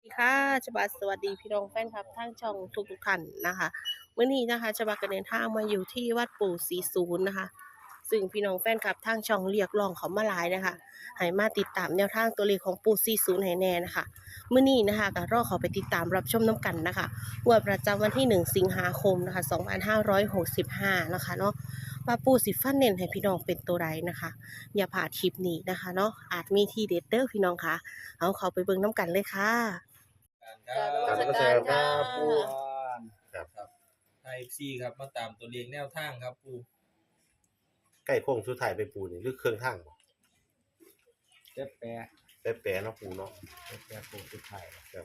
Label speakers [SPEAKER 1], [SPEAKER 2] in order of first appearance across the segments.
[SPEAKER 1] ค่ะฉบับสวัสดีพี่น้องแฟนคลับทั้งช่องทุกท่านนะคะมื้อนี้นะคะฉบับก็เดินทางมาอยู่ที่วัดปู่40นะคะซึ่งพี่น้องแฟนคลับทางช่องเรียกร้องเขามาหลายนะคะให้มาติดตามแนวทางตัวเลขของปู่40ให้แน่นะคะมื้อนี้นะคะก็รอเขาไปติดตามรับชมน้ำกันนะคะงวดประจำวันที่1สิงหาคมนะคะ2565นะคะเนาะว่าปู่สิฟันเน้นให้พี่น้องเป็นตัวใดนะคะอย่าพลาดคลิปนี้นะคะเนาะอาจมีทีเด็ดเด้อพี่น้องค่ะเอาเขาไปเบิ่งน้ำกันเลยค่ะ
[SPEAKER 2] ครั
[SPEAKER 1] กรารนมัส
[SPEAKER 2] บ
[SPEAKER 1] การ
[SPEAKER 2] ครั
[SPEAKER 1] ค่ะ
[SPEAKER 2] บปู
[SPEAKER 3] ครับ
[SPEAKER 2] ครับไทยซีครับมาตามตัวเลขแนวทางครับปู
[SPEAKER 3] ใกล้โค้งสุดท้ายไปปูนี่หรือเครื่องทางบ่
[SPEAKER 4] เจ็บแปะ
[SPEAKER 3] แปะเนาะปูเนาะ
[SPEAKER 4] เจ็บแปะโค้งสุดท้าย
[SPEAKER 3] ครับ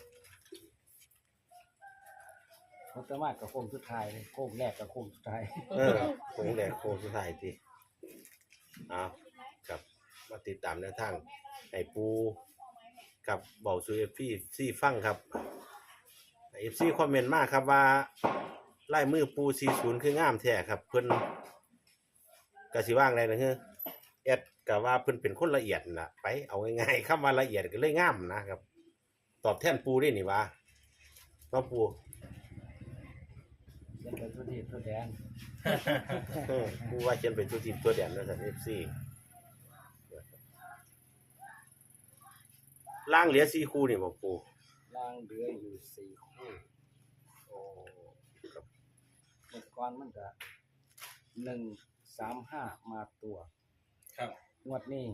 [SPEAKER 4] เขาจะมากับโค้งสุดท้ายเลยโค้งแรกกับโค้งสุดท้าย
[SPEAKER 3] โค้งแรกโค้งสุดท้ายติอ้าวครับมาติดตามแนวทางให้ปูกับเบาสู่ FC ฟังครับ FC คอมเมนต์มาครับว่าลายมือปู40คืองามแท้ครับเพิ่นก็สิว่างได้นะเฮ้อแอดก็ว่าเพิ่นเป็นคนละเอียดน่ะไปเอาง่ายๆคำว่าละเอียดก็เลยงามนะครับ ตอบแทนปูได้นี่ว่าเนาะปู
[SPEAKER 4] ยังเป็นทุทีทุแดน
[SPEAKER 3] ปูว่าเขียนเป็นตัวทีมตัวแดนนะท่าน FC ล่างเหลือ4คู่นี่บ่ปู
[SPEAKER 4] ล่างเหลืออยู่4 คู่
[SPEAKER 3] โอ้ครับ
[SPEAKER 4] เมื่อก่อนมันจะ135มาตัว
[SPEAKER 2] ครับ
[SPEAKER 4] งวดนี้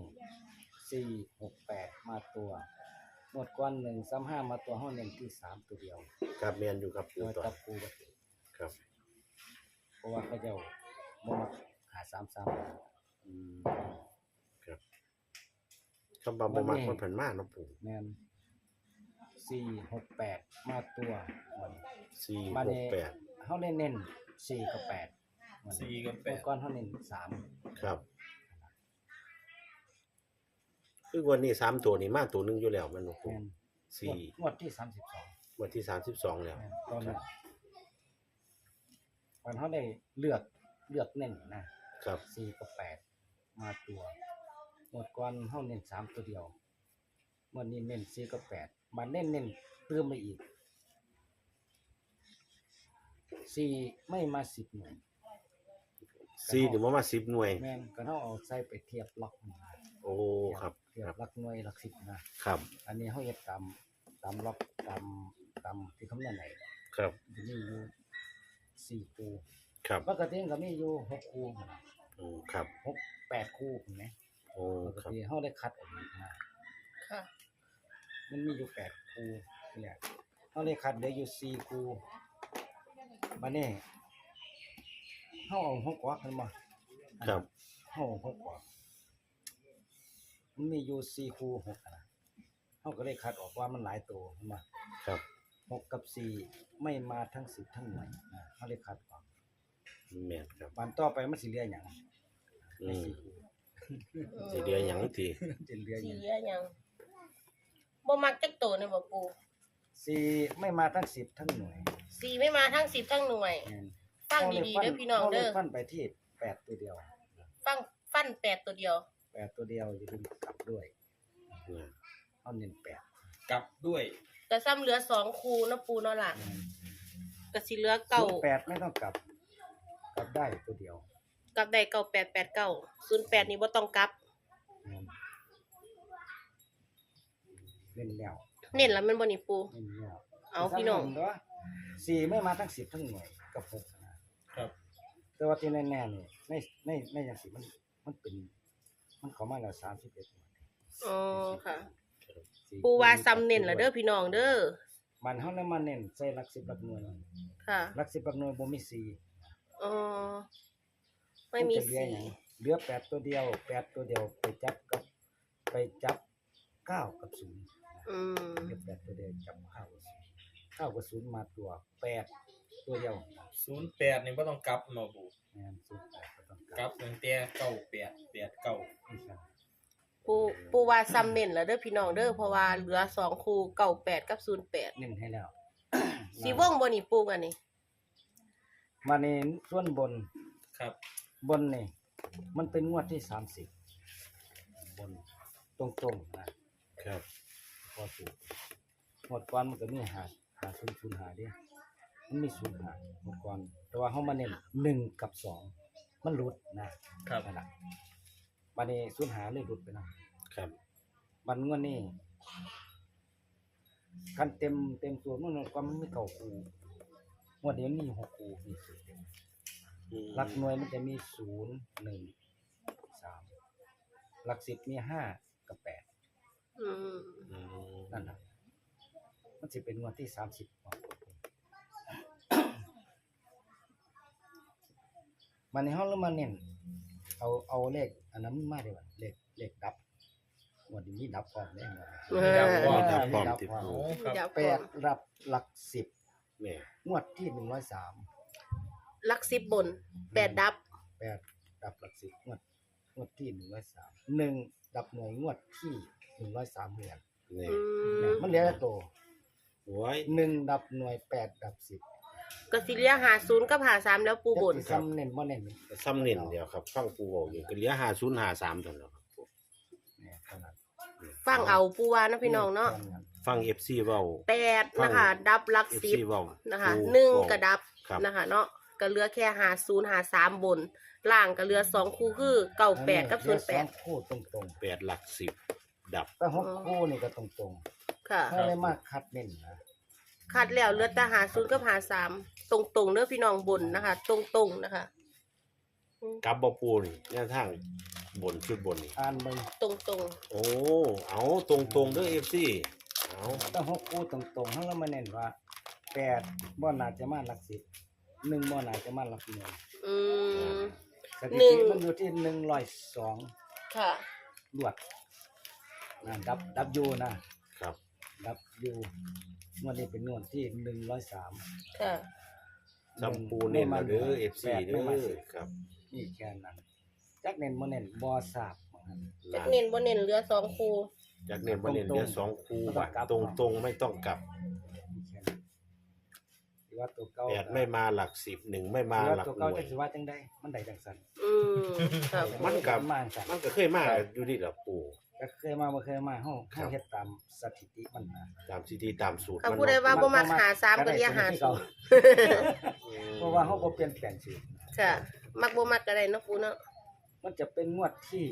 [SPEAKER 4] 468มาตัวงวดก่อน135มาตัวห้องเน้นที่3ตัวเดียว
[SPEAKER 3] ครับแม่นอยู่ครับปู
[SPEAKER 4] โดย
[SPEAKER 3] ต่อ
[SPEAKER 4] จับคู่กัน
[SPEAKER 3] ครับ
[SPEAKER 4] เพราะว่าเขาเจ้าบ่มักหา33
[SPEAKER 3] อืมครับคำว่าบ่มักมันเพิ่นมาเนาะปู
[SPEAKER 4] แม่น468มาตัว
[SPEAKER 3] 4
[SPEAKER 4] มาเนี่
[SPEAKER 3] 6 8
[SPEAKER 4] เฮาเน้น4กับ8
[SPEAKER 2] ซีกับแป
[SPEAKER 4] เมื่อ
[SPEAKER 2] ด
[SPEAKER 4] ก่อนเฮาเน้น
[SPEAKER 3] ครับคือวันนี้3ตัวนี่มาตัวหนึงอยู่แล้วแม่นบ่
[SPEAKER 4] 3
[SPEAKER 3] ปู
[SPEAKER 4] แม่น
[SPEAKER 3] 4
[SPEAKER 4] งวดที่32
[SPEAKER 3] วันที่32แล้ว
[SPEAKER 4] แม่นตอนนั้นวันเฮาได้เลือกเน้นนะครับ4กับ8มาตัวงวดก่อนเฮาเน้น3ตัวเดียวงวดนี้เน้น4กับ8มาเน้นเติมมาอีก4ไม่มา10หน่วย
[SPEAKER 3] 4นี่บ่มา10หน่วย
[SPEAKER 4] แม่นก็เฮาเอาใส่ไปเทียบล็อกนี่นะ
[SPEAKER 3] โอ้ครับ
[SPEAKER 4] เทีย
[SPEAKER 3] ครับ บ
[SPEAKER 4] หลักหน่วยหลัก10นะครับ อันนี้เฮาเฮ็ดตามล็อกตามที่คำนวณได้
[SPEAKER 3] ครับ
[SPEAKER 4] จะมีอยู่4คู่
[SPEAKER 3] ครับ
[SPEAKER 4] ปกติมันก็มีอยู่6คู่พุ่นน่ะ
[SPEAKER 3] ครับ
[SPEAKER 4] 8คู่พุ่นแหม
[SPEAKER 3] โอ้
[SPEAKER 4] ปก
[SPEAKER 3] ครับ
[SPEAKER 4] ติเฮาได้คัดออกมา
[SPEAKER 1] ค่ะ
[SPEAKER 4] มันมีอยู่8คู่เนี่ยเฮาได้คัดเหลืออยู่4คู่บัดนี้เฮาเอา6ออกกันบ่
[SPEAKER 3] ครับ
[SPEAKER 4] เฮาเอา6ออกมันมีอยู่4คู่6นะเฮาก็เลยคัดออกว่ามันหลายตัวเห็นบ่
[SPEAKER 3] ครับ
[SPEAKER 4] 6กับ4ไม่มาทั้ง10ทั้งหน่วยเฮาเลยคัดออก
[SPEAKER 3] แม่นครับ
[SPEAKER 4] วันต่อไปมันสิเหลือหยัง
[SPEAKER 3] อื
[SPEAKER 4] ใน
[SPEAKER 3] ม
[SPEAKER 4] 4คู่
[SPEAKER 3] สิเหลือหยังติ
[SPEAKER 4] จะเหลือห
[SPEAKER 1] สี
[SPEAKER 4] ยัง
[SPEAKER 1] เหลือหยังบ่มักจักโตนี่บ่ปู
[SPEAKER 4] 4ไม่มาทั้ง10ทั้งหน่วย
[SPEAKER 1] สีไม่มาทั้ง10ทั้งหน่วย
[SPEAKER 4] แม่น
[SPEAKER 1] ฟังดีๆเด้อพี่น้องเด้อ
[SPEAKER 4] าลยฟันไปที่8ตัวเดียว
[SPEAKER 1] ฟัน8ตัวเดียว
[SPEAKER 4] 8ตัวเดียวอย่าลืมกลับด้วย
[SPEAKER 3] เนี่ย
[SPEAKER 4] เอาเน้น8
[SPEAKER 2] กลับด้วย
[SPEAKER 1] ก็ซ้ำเหลือ2คูเนาะปูเนาะล่ะก็สิเหลือเก่า
[SPEAKER 4] 08ไม่ต้องกลับได้ตัวเดียว
[SPEAKER 1] กับได้9889 08นี่บ่ต้องกลับ
[SPEAKER 4] เล่นแล้ว
[SPEAKER 1] เน้นแล้วแมันบ่นี่ปู
[SPEAKER 4] เล่นแล้ว
[SPEAKER 1] เอาพี่น้อง
[SPEAKER 4] เนาะ4ไม่มาทั้ง10ทั้งหน่วยกับ6นะครับ แต่ว่าที่แน่ๆนี่ในจังซี่มันเป็นมันเข้ามาแล้ว31หน่วย
[SPEAKER 1] อ๋อค่ะ
[SPEAKER 4] สี่
[SPEAKER 1] ปูว่าซ้ำเน้นแล้วเด้อพี่น้องเด้อ
[SPEAKER 4] มันเฮาเลยมาเน้นใส่หลัก10หลักหน่วย
[SPEAKER 1] ค่ะ
[SPEAKER 4] หลัก10หลักหน่วยบ่มี4
[SPEAKER 1] อ๋อไม่มี
[SPEAKER 4] นจะเหลือหยังเหลือ8ตัวเดียว8ตัวเดียวไปจับ9กับ0
[SPEAKER 1] อืม
[SPEAKER 4] เหลือ8ตัวเดียวจับ9กับ0มาตัว8ตัวเดียว
[SPEAKER 2] 08นี่บ่ต้องกลับเนาะปู
[SPEAKER 4] แม่น08ก็ต้อง
[SPEAKER 2] กลับตั้งแต่98 89
[SPEAKER 4] ไม่ใช่
[SPEAKER 1] ปูว่าซ้ำเน้นแล้วเด้อพี่น้องเด้อเพราะว่าเหลือ2คู่98กับ08
[SPEAKER 4] เน้นให้แล้ว
[SPEAKER 1] สีวงบ่นี่ปูกันนี่
[SPEAKER 4] มาในส่วนบน
[SPEAKER 2] ครับ
[SPEAKER 4] บนนี่มันเป็นงวดที่30บนตรงๆนะครับ พอถูกหมดก่อนมันก็มีหาศูนย์ศูนย์หาเด้มันมีศูนย์หาหมดก่อนแต่ว่าเฮามาเน้น1กับ2มันหลุดนะครับ นั่นล่ะบัดนี้ศูนย์หาเลยหลุดไปนะครับ บัดงวดนี้คันเต็มตัวมันก็มันมี9คู่งวดนี้มันมี6คู่มีสูตรเต็มหลักหน่วยมันจะมี0 1 3หลัก10มี5กับ8
[SPEAKER 1] อืม
[SPEAKER 4] นั่นน่ะมันสิเป็นงวดที่30มันในห้องแล้วมันเน้นเอาเลขอันนั้นมาดีกว่าเลขดับงวดนี้มีดับพร้อมแน่นอน
[SPEAKER 2] ดับพร้อม
[SPEAKER 3] ดับพร้อม
[SPEAKER 4] ดับ
[SPEAKER 3] ที่
[SPEAKER 4] พร้อม
[SPEAKER 3] ปู
[SPEAKER 2] ครับ
[SPEAKER 1] เดี๋ยว
[SPEAKER 4] แป
[SPEAKER 1] ก่อ
[SPEAKER 4] ด
[SPEAKER 1] น
[SPEAKER 4] รับหลัก10
[SPEAKER 3] เนี่ย
[SPEAKER 4] งวดที่103
[SPEAKER 1] หลัก10บน8ดับ
[SPEAKER 4] 8ดับหลัก10งวดที่103 1ดับหน่วยงวดที่103เหมือน
[SPEAKER 3] เนี่ย
[SPEAKER 1] อืม
[SPEAKER 4] มันเหลือแต่ตัว
[SPEAKER 3] โอ้ย
[SPEAKER 4] 1ดับหน่วย8ดับ10
[SPEAKER 1] ก็สิเหลีย50กับ53แล้วปูบน
[SPEAKER 4] จะซ้ำเน้นบ่เน้น
[SPEAKER 3] ซ้ำเน้นเดียวครับฟังปูบอกอยู่ก็เหลือ5053เท่านั้นครับ
[SPEAKER 4] เนี่ยเท่านั้น
[SPEAKER 1] ฟังเอาปูว่านะพี่น้องเนาะ
[SPEAKER 3] ฟัง FC เว้า
[SPEAKER 1] 8นะคะดับหลัก
[SPEAKER 3] FC เว้า
[SPEAKER 1] 10นะคะ
[SPEAKER 3] ปู
[SPEAKER 1] 1กระดับ
[SPEAKER 3] ครับ
[SPEAKER 1] นะคะเนาะก็เหลือแค่50 53บนล่างก็เหลือ2คู่คือ98กับ
[SPEAKER 4] เหลือสอง
[SPEAKER 1] 08
[SPEAKER 4] คู่ตรง
[SPEAKER 3] 8หลัก10ดับ
[SPEAKER 4] ๆแต่6คู่นี่ก็ตรง
[SPEAKER 1] ค่ะ
[SPEAKER 4] ๆถ้าเลยมากคัดเน้นนะ
[SPEAKER 1] คัดแล้วเหลือแต่50กับ53ตรงๆเด้อพี่น้องบนนะคะ ตรงๆนะคะ
[SPEAKER 3] กลับบ่ปูนี่แนวทางบนชุดบนนี่
[SPEAKER 4] อ่านเบิ่ง
[SPEAKER 1] ตรง
[SPEAKER 3] โอ้เอาตรงๆเด้อ FC เอา
[SPEAKER 4] แต่6คู่ตรงๆเฮาแล้วมาเน้นว่า8บ่น่าจะมาหลัก10 1บ่น่าจะมาหลักหน่วย
[SPEAKER 1] ๆอืม
[SPEAKER 4] สถิ
[SPEAKER 1] หนึ่
[SPEAKER 4] ติ
[SPEAKER 1] ง
[SPEAKER 4] มันอยู่ที่102
[SPEAKER 1] ค่ะ
[SPEAKER 4] ลวดดับยูนะครับ ดับยูงวดนี้เป็นงวดที่103
[SPEAKER 1] ค่ะ
[SPEAKER 3] ซัมปูเน้นมาเด้อ FC เด้
[SPEAKER 4] ไม่มา
[SPEAKER 3] อ
[SPEAKER 4] สิบ
[SPEAKER 3] ครับ
[SPEAKER 4] นี่แค่นั้นจักเน้นบ่เน้นบ่ทราบเหมือนกัน
[SPEAKER 1] จักเน้นบ่เน้นเหลือ2คู่
[SPEAKER 3] จากเน้นบ่เน้นเหลือ2คู่บาท
[SPEAKER 4] ไม่
[SPEAKER 3] ต
[SPEAKER 4] ต้องกลับ
[SPEAKER 3] รงๆไม่ต้องกลับ
[SPEAKER 4] นี่แค่นั้นที่ว่าตัวเก่า
[SPEAKER 3] 8ไม่มาหลัก10 1ไม่มา
[SPEAKER 4] ที่ว่า
[SPEAKER 3] หลัก
[SPEAKER 4] ตัว
[SPEAKER 3] ห
[SPEAKER 4] เก่า
[SPEAKER 3] น่ว
[SPEAKER 4] จั
[SPEAKER 3] ย
[SPEAKER 4] กสิว่าจังได๋มันได้จังซั่น
[SPEAKER 1] อืมครับ
[SPEAKER 3] มันก็
[SPEAKER 4] มาจังซั่น
[SPEAKER 3] มันก็เคยมาอยู่นี่ล่ะปู
[SPEAKER 4] ก็เคยมาบ่เคยมาเฮา
[SPEAKER 3] ครับ
[SPEAKER 4] เฮ็ดตามสถิติมันนะ
[SPEAKER 3] ตามซีดีตามสูตร
[SPEAKER 1] ถ้า
[SPEAKER 3] มัน
[SPEAKER 1] ผู้ใดว่าบ่มัก53ก็เรียก
[SPEAKER 4] ได้ตัว
[SPEAKER 1] 50
[SPEAKER 4] เพราะว่าเฮาบ่เปลี่ยนแปลงชีวิต
[SPEAKER 1] ค่ะ มักบ่มักก็ได้เนาะปูเนาะ
[SPEAKER 4] มันจะเป็นงวดที่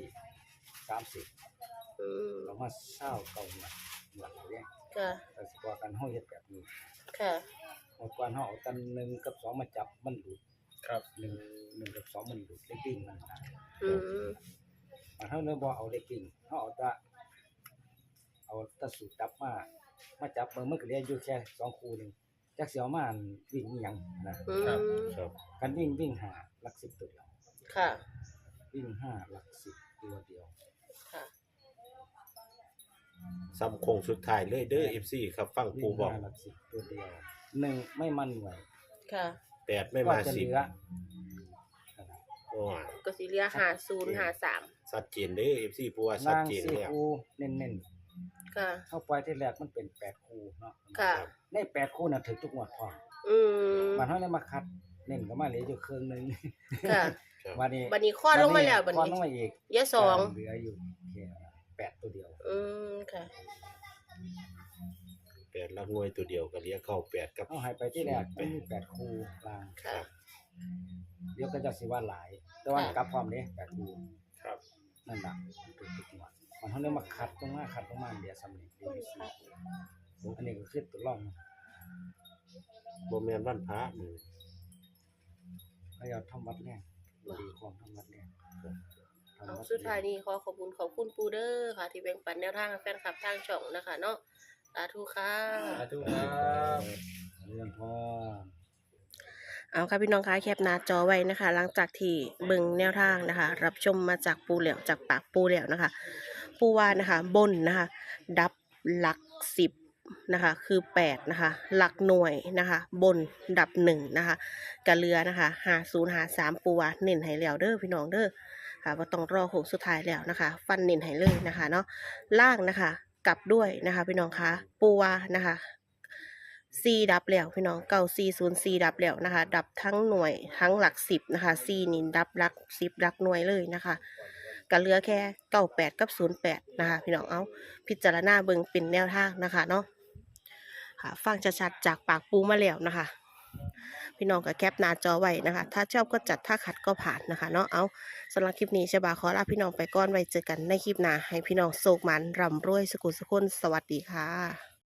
[SPEAKER 4] 30
[SPEAKER 1] อืม
[SPEAKER 4] เรามาเศร้าเก่าหนักหลักเนี่ย
[SPEAKER 1] ค่ะ
[SPEAKER 4] แต่สิว่ากันเฮาเฮ็ดแบบนี้
[SPEAKER 1] ค่ะ
[SPEAKER 4] เมื่อก่อนเฮาเอาตัน1กับ2มาจับมันหลุด
[SPEAKER 2] ครับ
[SPEAKER 4] 1กับ2มันหลุดเลขปิ้งมันนะ
[SPEAKER 1] อืม
[SPEAKER 4] มันเฮาเลยบ่เอาเลขปิ้งเฮาเอาแต่สูตรจับมาจับมันก็เหลืออยู่แค่2คู่นึงจักสิเอามาอันวิ่งอีหยังนะ
[SPEAKER 1] อืม
[SPEAKER 3] ครับ
[SPEAKER 4] กันวิ่ง5หลัก10ตัวเดียว
[SPEAKER 1] ค่ะ
[SPEAKER 4] วิ่ง5หลัก10ตัวเดียว
[SPEAKER 1] ค่ะ
[SPEAKER 3] ซ้ำโคงสุดท้ายเลยเด้อ FC ครับฟังปู
[SPEAKER 4] วิ่ง
[SPEAKER 3] บอก
[SPEAKER 4] 5หลัก10ตัวเดียว1ไม่มันหน่วย
[SPEAKER 1] ค่ะ
[SPEAKER 3] 8ไม่
[SPEAKER 4] ก็
[SPEAKER 3] มา
[SPEAKER 4] จะเหลือ
[SPEAKER 3] 10โอ้ย
[SPEAKER 1] ก็สิเหลือ50 53
[SPEAKER 3] ชัดเจนเด้อ FC ปูว่าชั
[SPEAKER 4] นา
[SPEAKER 3] ด
[SPEAKER 4] ง
[SPEAKER 3] เจน
[SPEAKER 4] สี่
[SPEAKER 3] แล้ว
[SPEAKER 4] คู่เน้น
[SPEAKER 1] ค่ะ
[SPEAKER 4] ๆเข้าไปที่แรกมันเป็น8คู่เนาะ
[SPEAKER 1] ค่ะ
[SPEAKER 4] ใน8คู่น่ะถึงทุกงวดพร้อม
[SPEAKER 1] อืม
[SPEAKER 4] มันเฮาเลยมาคัดเน้นก็มาเหลืออยู่ครึ่งหนึง
[SPEAKER 1] ค่ะ
[SPEAKER 3] ครับ
[SPEAKER 4] วันนี้
[SPEAKER 1] บัดนี้คลอดลงมาแล้วบัด
[SPEAKER 4] คลอด
[SPEAKER 1] นี้
[SPEAKER 4] ลงมาอีก
[SPEAKER 1] เหลือ2
[SPEAKER 4] เหลืออยู่แค่8ตัวเดียว
[SPEAKER 1] อืมค่ะ
[SPEAKER 3] 8หลักหน่วยตัวเดียวก็เหลือเข้า8กับ
[SPEAKER 4] เอาให้ไปที่แรกมันมี8คู่กลาง
[SPEAKER 1] ค่ะ
[SPEAKER 4] เดี๋ยวก็จะสิว่าหลาย แต่ว่ากลับพร้อมเด้8คู่
[SPEAKER 3] ครับ
[SPEAKER 4] นั่นน่ะเป็นทุกงวดมันเฮาเลยมาคัดตรงมาคัดตรงมาเดี๋ยวซ้ำนี่เดี๋ยวสี่คู่อันนี้ก็คือตัวรอง
[SPEAKER 3] บ่แม่นวันพระมื้อ
[SPEAKER 4] เขาเอาทำวัดแรงบ่ดีของทำวัดแรง
[SPEAKER 1] เอาสุดท้ายนี้ขอขอบคุณปูเด้อค่ะ ที่แบ่งปันแนวทางให้แฟนคลับทางช่องนะคะเนาะสาธุค่ะ
[SPEAKER 2] สาธุครับ
[SPEAKER 4] เรื่องพ่อ
[SPEAKER 1] เอาค่ะพี่น้องคะแคปหน้าจอไว้นะคะ หลังจากที่เบิ่งแนวทางนะคะ รับชมมาจากปูเหลียวจากปากปูเหลียวนะคะ ปูว่านะคะบนนะคะ ดับหลัก10นะคะ คือ8นะคะ หลักหน่วยนะคะ บนดับ1นะคะกะเรือนะคะ5053ปูว่าเน้นให้แล้วเด้อพี่น้องเด้อค่ะบ่ต้องรอโค้งสุดท้ายแล้วนะคะ ฟันเน้นให้เลยนะคะเนาะล่างนะคะ กลับด้วยนะคะพี่น้องคะปูว่านะคะ4ดับแล้วพี่น้อง9404ดับแล้วนะคะ ดับทั้งหน่วยทั้งหลัก10นะคะ4นี่ดับหลัก10หลักหน่วยเลยนะคะก็เหลือแค่98กับ08นะคะพี่น้องเอาพิจารณาเบิ่งเป็นแนวทางนะคะเนาะค่ะฟังชัดๆจากปากปูมาแล้วนะคะ พี่น้องก็แคปหน้าจอไว้นะคะ ถ้าชอบก็จัดถ้าขัดก็ผ่านนะคะเนาะเอาสำหรับคลิปนี้ฉบาขอลาพี่น้องไปก่อนไว้เจอกันในคลิปหน้าให้พี่น้องโศกมันร่ำรวยสุขุสุขคนสวัสดีค่ะ